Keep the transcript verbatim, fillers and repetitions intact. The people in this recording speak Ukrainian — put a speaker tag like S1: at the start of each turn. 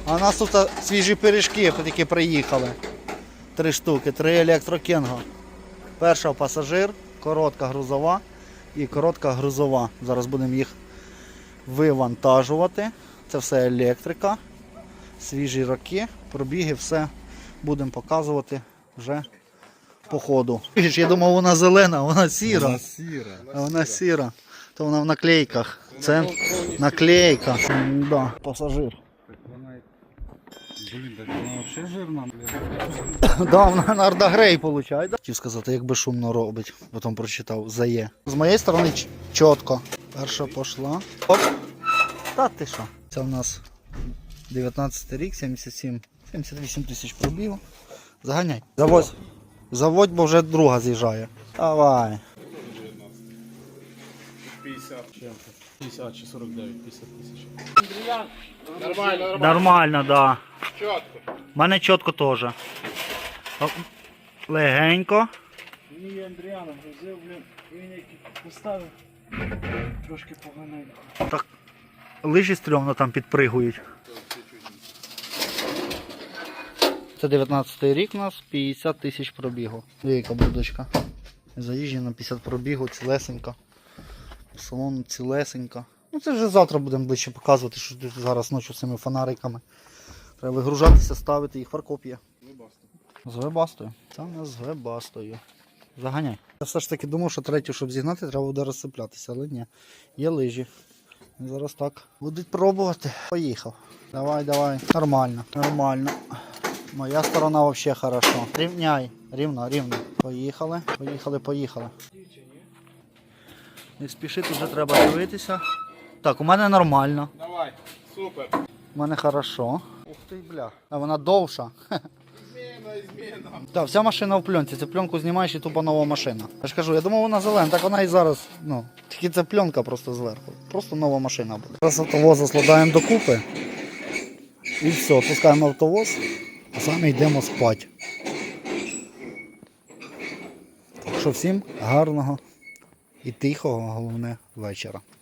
S1: А у нас тут свіжі пиріжки, які приїхали. Три штуки, три електрокенго. Перша пасажир, коротка грузова і коротка грузова. Зараз будемо їх вивантажувати. Це все електрика, свіжі роки, пробіги, все будемо показувати вже по ходу. Я думав, вона зелена, вона сіра.
S2: Вона сіра.
S1: А вона сіра. То вона в наклейках. Це наклейка. Да, пасажир.
S2: Блін, так вона взагалі жирна.
S1: Да, вона на Ардагрей виходить. Хотів сказати, як безшумно робить. Потім прочитав. Зає. З моєї сторони чітко. Перша пішла. Оп. Та ти що? Це в нас дев'ятнадцятий рік, сімдесят сім, сімдесят вісім тисяч пробігу. Заганяй. Заводь. Заводь, бо вже друга з'їжджає. Давай.
S3: п'ятдесят чи сорок дев'ять, п'ятдесят тисяч.
S1: Нормально, нормально. Нормально, да.
S3: Чітко.
S1: У мене чітко теж. Легенько.
S3: Мені Андріана взяв, блін, він який поставив. Трошки поганенько.
S1: Так лижі стрьомно там підпригують. Це дев'ятнадцятий рік у нас, п'ятдесят тисяч пробігу. Яка будочка. Заїжджена п'ятдесят пробігу, цілесенька. Салон цілесенька. Ну це вже завтра будемо ближче показувати, що тут зараз ночі з цими фонариками. Треба вигружатися, ставити їх, фаркоп є. З вебастою. Це у нас з вебастою. Заганяй. Я все ж таки думав, що третю, щоб зігнати, треба буде розсиплятися, але ні. Є лижі. Зараз так. Будуть пробувати. Поїхав. Давай, давай. Нормально. Нормально. Моя сторона взагалі хорошо. Рівняй. Рівно, рівно. Поїхали. Поїхали, поїхали. Не спішити, вже треба дивитися. Так, у мене нормально.
S3: Давай, супер.
S1: У мене хорошо. Ух ти, бля. А вона довша.
S3: Зміна, зміна.
S1: Так, вся машина в пленці. Цю пленку знімаєш і тупо нова машина. Я ж кажу, я думав, вона зелена, так вона і зараз, ну, тільки це пленка просто зверху. Просто нова машина буде. Зараз автовоз складаємо докупи. І все, пускаємо автовоз, а самі йдемо спати. Так що всім гарного і тихого, головне, вечора.